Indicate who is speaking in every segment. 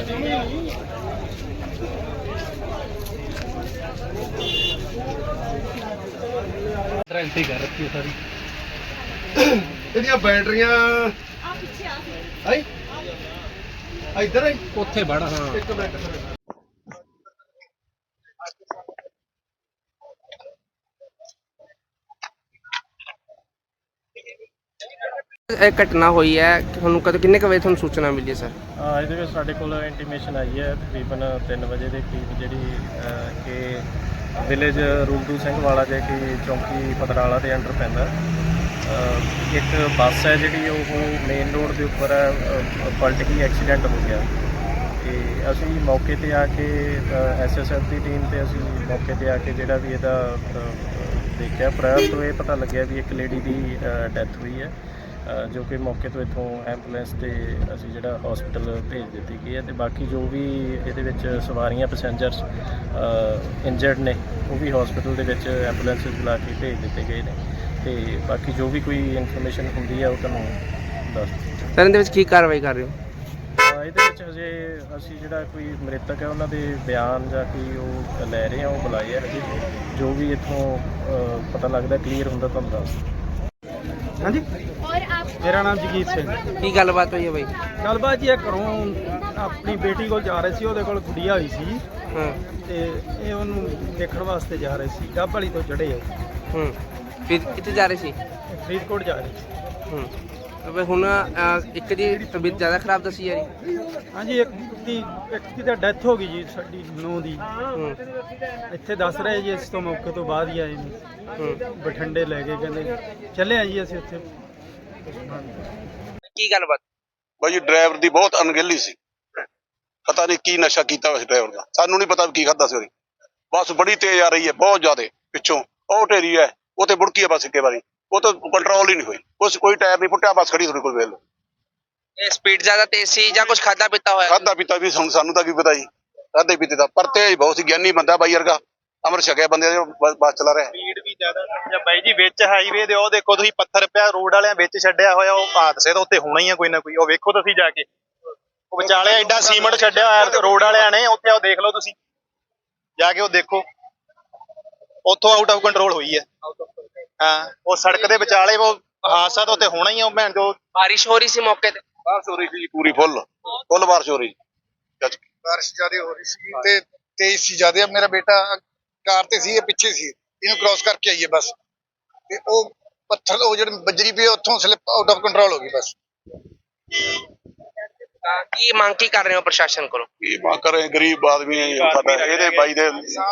Speaker 1: Guarantee कर रखी है सारी।
Speaker 2: ਇਹਦੀਆਂ ਬੈਟਰੀਆਂ ਆਈ ਇੱਧਰ ਆਈ
Speaker 1: ਉੱਥੇ ਵੜ। ਹਾਂ
Speaker 2: ਇੱਕ ਮਿੰਟ
Speaker 3: ਇਹ ਘਟਨਾ ਹੋਈ ਹੈ ਤੁਹਾਨੂੰ ਕਦੋਂ ਕਿੰਨੇ ਕੁ ਵਜੇ ਤੁਹਾਨੂੰ ਸੂਚਨਾ ਮਿਲੀ ਹੈ ਸਰ?
Speaker 4: ਇਹਦੇ ਵਿੱਚ ਸਾਡੇ ਕੋਲ ਇੰਟੀਮੇਸ਼ਨ ਆਈ ਹੈ ਤਕਰੀਬਨ 3 ਵਜੇ ਦੇ ਕਰੀਬ ਜਿਹੜੀ ਕਿ ਵਿਲੇਜ ਰੂਲਦੂ ਸਿੰਘ ਵਾਲਾ ਜੇ ਕਿ ਚੌਂਕੀ ਪਤਰਾਲਾ ਦੇ ਅੰਡਰ ਪੈਂਦਾ। ਇੱਕ ਬੱਸ ਹੈ ਜਿਹੜੀ ਉਹ ਮੇਨ ਰੋਡ ਦੇ ਉੱਪਰ ਪਲਟ ਗਈ, ਐਕਸੀਡੈਂਟ ਹੋ ਗਿਆ ਤੇ ਅਸੀਂ ਮੌਕੇ ਤੇ ਆ ਕੇ ਐਸਐਸਐਫ ਦੀ ਟੀਮ ਤੇ ਅਸੀਂ ਮੌਕੇ ਤੇ ਆ ਕੇ ਜਿਹੜਾ ਵੀ ਇਹਦਾ ਦੇਖਿਆ। ਪ੍ਰਾਇਰ ਤੋਂ ਇਹ ਪਤਾ ਲੱਗਿਆ ਵੀ ਇੱਕ ਲੇਡੀ ਦੀ ਡੈਥ ਹੋਈ ਹੈ ਜੋ ਕਿ ਮੌਕੇ ਤੋਂ ਇੱਥੋਂ ਐਂਬੂਲੈਂਸ ਤੇ ਅਸੀਂ ਜਿਹੜਾ ਹਸਪੀਟਲ ਭੇਜ ਦਿੱਤੀ ਗਈ ਹੈ ਤੇ ਬਾਕੀ ਜੋ ਵੀ ਇਹਦੇ ਵਿੱਚ ਸਵਾਰੀਆਂ ਪੈਸੇਂਜਰਸ ਇੰਜਰਡ ਨੇ ਉਹ ਵੀ ਹਸਪੀਟਲ ਦੇ ਵਿੱਚ ਐਂਬੂਲੈਂਸ ਬੁਲਾ ਕੇ ਭੇਜ ਦਿੱਤੇ ਗਏ ਨੇ ਤੇ ਬਾਕੀ ਜੋ ਵੀ ਕੋਈ ਇਨਫੋਰਮੇਸ਼ਨ ਹੁੰਦੀ ਹੈ ਉਹ ਤੁਹਾਨੂੰ ਦੱਸ ਦਿੱਤੀ।
Speaker 3: ਸਰ ਇਹਦੇ ਵਿੱਚ ਕੀ ਕਾਰਵਾਈ ਕਰ ਰਹੇ ਹੋ?
Speaker 4: ਇਹਦੇ ਵਿੱਚ ਹਜੇ ਅਸੀਂ ਜਿਹੜਾ ਕੋਈ ਮ੍ਰਿਤਕ ਹੈ ਉਹਨਾਂ ਦੇ ਬਿਆਨ ਜਾਂ ਕੋਈ ਉਹ ਲੈ ਰਹੇ ਹਾਂ, ਉਹ ਬੁਲਾਏ ਆ ਹਜੇ ਜੋ ਵੀ ਇੱਥੋਂ ਪਤਾ ਲੱਗਦਾ ਕਲੀਅਰ ਹੁੰਦਾ ਤੁਹਾਨੂੰ ਦੱਸ ਦਿੰਦੇ।
Speaker 1: ਹਾਂਜੀ ਮੇਰਾ ਨਾਮ ਜਗੀਰ ਸਿੰਘ।
Speaker 3: ਕੀ ਗੱਲਬਾਤ ਹੋਈ ਹੈ ਬਾਈ?
Speaker 1: ਗੱਲਬਾਤ ਜੀ ਇਹ ਘਰੋਂ ਆਪਣੀ ਬੇਟੀ ਕੋਲ ਜਾ ਰਹੇ ਸੀ, ਉਹਦੇ ਕੋਲ ਗੁੱਡੀਆ ਹੋਈ ਸੀ
Speaker 3: ਹਾਂ
Speaker 1: ਤੇ ਇਹ ਉਹਨੂੰ ਦੇਖਣ ਵਾਸਤੇ ਜਾ ਰਹੇ ਸੀ। ਡੱਬ ਵਾਲੀ ਤੋਂ ਚੜ੍ਹੇ ਆ।
Speaker 3: ਫਿਰ ਕਿੱਥੇ ਜਾ ਰਹੇ ਸੀ?
Speaker 1: ਫਰੀਦਕੋਟ ਜਾ ਰਹੇ ਸੀ।
Speaker 3: ਤੇ ਹੁਣ ਇੱਕ ਦੀ ਤਬੀਅਤ ਜ਼ਿਆਦਾ ਖਰਾਬ ਦੱਸੀ ਜਾ ਰਹੀ?
Speaker 1: ਹਾਂਜੀ ਇੱਕ ਦੀ ਤਾਂ ਡੈਥ ਹੋ ਗਈ ਜੀ, ਸਾਡੀ ਨੂੰਹ ਦੀ। ਇੱਥੇ ਦੱਸ ਰਹੇ ਜੀ ਇਸ ਤੋਂ ਮੌਕੇ ਤੋਂ ਬਾਅਦ ਹੀ ਆਏ ਨੇ। ਬਠਿੰਡੇ ਲੈ ਕੇ ਕਹਿੰਦੇ ਚੱਲੇ ਆ ਜੀ ਅਸੀਂ ਉੱਥੇ।
Speaker 3: ਕੀ ਗੱਲਬਾਤ?
Speaker 2: ਬਾਈ ਡਰਾਈਵਰ ਦੀ ਬਹੁਤ ਅਣਗਹਿਲੀ ਸੀ, ਪਤਾ ਨਹੀਂ ਕੀ ਨਸ਼ਾ ਕੀਤਾ ਉਸ ਡਰਾਈਵਰ ਦਾ, ਸਾਨੂੰ ਨਹੀਂ ਪਤਾ ਕੀ ਖਾਦਾ ਸੀ ਉਹਨੇ। ਬੱਸ ਬੜੀ ਤੇਜ਼ ਆ ਰਹੀ ਹੈ, ਬਹੁਤ ਜ਼ਿਆਦਾ ਪਿੱਛੋਂ ਉਹ ਢੇਰੀ ਹੈ, ਉਹ ਤੇ ਬੁੜਕੀ ਹੈ ਬੱਸ ਇੱਕੇ ਵਾਰੀ, ਉਹ ਤਾਂ ਕੰਟਰੋਲ ਹੀ ਨਹੀਂ ਹੋਈ, ਉਸ ਕੋਈ ਟਾਇਰ ਨਹੀਂ ਫੁੱਟਿਆ, ਬੱਸ ਖੜੀ ਤੁਹਾਡੇ ਕੋਲ ਵੇਖ ਲਓ।
Speaker 3: ਇਹ ਸਪੀਡ ਜ਼ਿਆਦਾ ਤੇਜ਼ ਸੀ ਜਾਂ ਕੁਝ ਖਾਦਾ ਪੀਤਾ ਹੋਇਆ?
Speaker 2: ਖਾਦਾ ਪੀਤਾ ਵੀ ਸਾਨੂੰ ਤਾਂ ਕੀ ਪਤਾ ਜੀ, ਖਾਦੇ ਪੀਤੇ ਦਾ, ਪਰ ਤੇਜ਼ ਬਹੁਤ ਸੀ, ਗਿਆਨੀ ਬੰਦਾ ਬਾਈ ਵਰਗਾ, ਅਮਰ ਛਕਿਆ ਬੰਦੇ ਬੱਸ ਚਲਾ ਰਿਹਾ।
Speaker 5: ਸਪੀਡ ਵੀ ਜ਼ਿਆਦਾ ਬਾਈ ਜੀ, ਵਿੱਚ ਹਾਈਵੇ ਦੇ ਉਹ ਦੇਖੋ ਤੁਸੀਂ ਪੱਥਰ ਪਿਆ ਰੋਡ ਵਾਲਿਆਂ ਵਿੱਚ ਛੱਡਿਆ ਹੋਇਆ, ਉਹ ਹਾਦਸੇ ਤਾਂ ਉੱਤੇ ਹੋਣਾ ਹੀ ਆ ਕੋਈ ਨਾ ਕੋਈ। ਉਹ ਵੇਖੋ ਤੁਸੀਂ ਜਾ ਕੇ, ਉਹ ਵਿਚਾਲੇ ਐਡਾ ਸੀਮੈਂਟ ਛੱਡਿਆ ਹੋਇਆ ਰੋਡ ਵਾਲਿਆਂ ਨੇ ਉੱਥੇ, ਉਹ ਦੇਖ ਲਓ ਤੁਸੀਂ ਜਾ ਕੇ, ਉਹ ਦੇਖੋ ਉੱਥੋਂ ਆਊਟ ਆਫ ਕੰਟਰੋਲ ਹੋਈ ਹੈ। ਹਾਂ ਉਹ ਸੜਕ ਦੇ ਵਿਚਾਲੇ ਉਹ ਹਾਦਸਾ ਤਾਂ ਉੱਤੇ ਹੋਣਾ ਹੀ ਆ। ਭੈਣ ਜੋ
Speaker 3: ਬਾਰਿਸ਼ ਹੋ ਰਹੀ ਸੀ ਮੌਕੇ ਤੇ?
Speaker 2: ਬਾਰਿਸ਼ ਹੋ ਰਹੀ ਸੀ ਪੂਰੀ, ਫੁੱਲ ਬਾਰਿਸ਼ ਹੋ ਰਹੀ।
Speaker 6: ਬਾਰਿਸ਼ ਜ਼ਿਆਦਾ ਹੋ ਰਹੀ ਸੀ ਤੇ ਤੇਜ਼ ਸੀ ਜ਼ਿਆਦਾ। ਮੇਰਾ ਬੇਟਾ ਕਾਰ ਤੇ ਸੀ, ਇਹ ਪਿੱਛੇ ਸੀ, ਇਹਨੂੰ ਕ੍ਰਾਸ ਕਰਕੇ ਆਈਏ ਬਸ, ਤੇ ਉਹ ਪੱਥਰ ਉਹ ਜਿਹੜੇ ਬੱਜਰੀ ਪਈ ਉੱਥੋਂ ਸਲਿੱਪ ਆਊਟ ਆਫ ਕੰਟਰੋਲ ਹੋ ਗਈ ਬਸ।
Speaker 3: ਕੀ ਮੰਗ ਕੀ ਕਰ ਰਹੇ ਹੋ ਪ੍ਰਸ਼ਾਸਨ ਕੋਲੋਂ?
Speaker 2: ਕੀ ਮੰਗ ਕਰ ਰਹੇ, ਗਰੀਬ ਆਦਮੀ ਹੈ ਸਾਡਾ, ਇਹਦੇ ਬਾਈ ਦੇ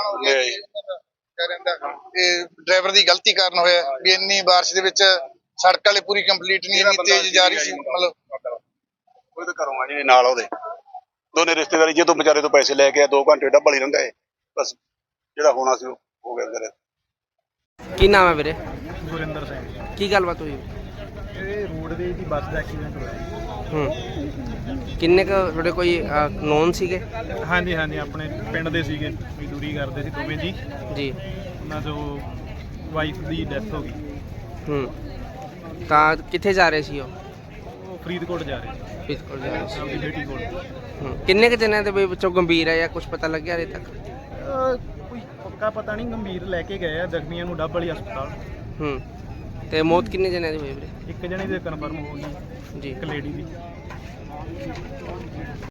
Speaker 6: ਇਹ ਡਰਾਈਵਰ ਦੀ ਗਲਤੀ ਕਾਰਨ ਹੋਇਆ ਵੀ ਇੰਨੀ ਬਾਰਿਸ਼ ਦੇ ਵਿੱਚ ਸੜਕ ਵਾਲੇ ਪੂਰੀ ਕੰਪਲੀਟ ਨਹੀਂ, ਇੰਨੀ ਤੇਜ਼ ਜਾ ਰਹੀ ਸੀ। ਮਤਲਬ
Speaker 2: ਉਹਦੇ ਘਰੋਂ ਆ ਜੀ ਨਾਲ, ਉਹਦੇ ਦੋਨੇ ਰਿਸ਼ਤੇਦਾਰੀ ਜਦੋਂ ਵਿਚਾਰੇ ਤੋਂ ਪੈਸੇ ਲੈ ਕੇ ਆ 2 ਘੰਟੇ ਡੱਬਲ ਹੀ ਰਹਿੰਦਾ ਹੈ, ਬਸ ਜਿਹੜਾ ਹੋਣਾ ਸੀ ਉਹ ਹੋ ਗਿਆ ਵੀਰੇ।
Speaker 3: ਕੀ ਨਾਮ ਹੈ ਵੀਰੇ?
Speaker 1: ਗੁਰਿੰਦਰ ਸਿੰਘ।
Speaker 3: ਕੀ ਗੱਲਬਾਤ ਹੋਈ?
Speaker 1: ਇਹ ਰੋਡਵੇਜ਼ ਦੀ ਬੱਸ ਦਾ ਐਕਸੀਡੈਂਟ ਹੋਇਆ।
Speaker 3: ਕਿੰਨੇ ਕੁ ਤੁਹਾਡੇ ਕੋਈ ਨੋਨ ਸੀਗੇ?
Speaker 1: ਹਾਂਜੀ ਹਾਂਜੀ, ਆਪਣੇ ਪਿੰਡ ਦੇ ਸੀਗੇ, ਮਜ਼ਦੂਰੀ ਕਰਦੇ ਸੀ ਦੋਵੇਂ ਜੀ।
Speaker 3: ਜੀ।
Speaker 1: ਉਹਨਾਂ ਤੋਂ ਵਾਈਫ ਦੀ ਡੈਥ ਹੋ ਗਈ।
Speaker 3: ਤਾਂ ਕਿੱਥੇ ਜਾ ਰਹੇ ਸੀ ਉਹ?
Speaker 1: ਉਹ ਫਰੀਦਕੋਟ ਜਾ ਰਹੇ ਸੀ
Speaker 3: ਫਰੀਦਕੋਟ ਜਾ ਰਹੇ ਸੀ।
Speaker 1: ਆਪਣੀ ਬੇਟੀ ਕੋਲ।
Speaker 3: ਕਿੰਨੇ ਕੁ ਜਣਿਆਂ ਦੇ ਵਿੱਚੋਂ ਗੰਭੀਰ ਹੈ ਜਾਂ ਕੁਝ ਪਤਾ ਲੱਗਿਆ ਹਲੇ ਤੱਕ?
Speaker 1: ਕੋਈ ਪੱਕਾ ਪਤਾ ਨਹੀਂ, ਗੰਭੀਰ ਲੈ ਕੇ ਗਏ ਆ, ਜ਼ਖਮੀਆਂ ਨੂੰ ਡੱਬ ਵਾਲੀ ਹਸਪਤਾਲ।
Speaker 3: ਤੇ ਮੌਤ ਕਿੰਨੇ ਜਣਿਆਂ ਦੀ ਹੋਈ ਵੀਰੇ?
Speaker 1: ਇੱਕ ਜਣੇ ਦੀ ਕਨਫਰਮ ਹੋ ਗਈ ਜੀ, ਇੱਕ ਲੇਡੀ ਦੀ।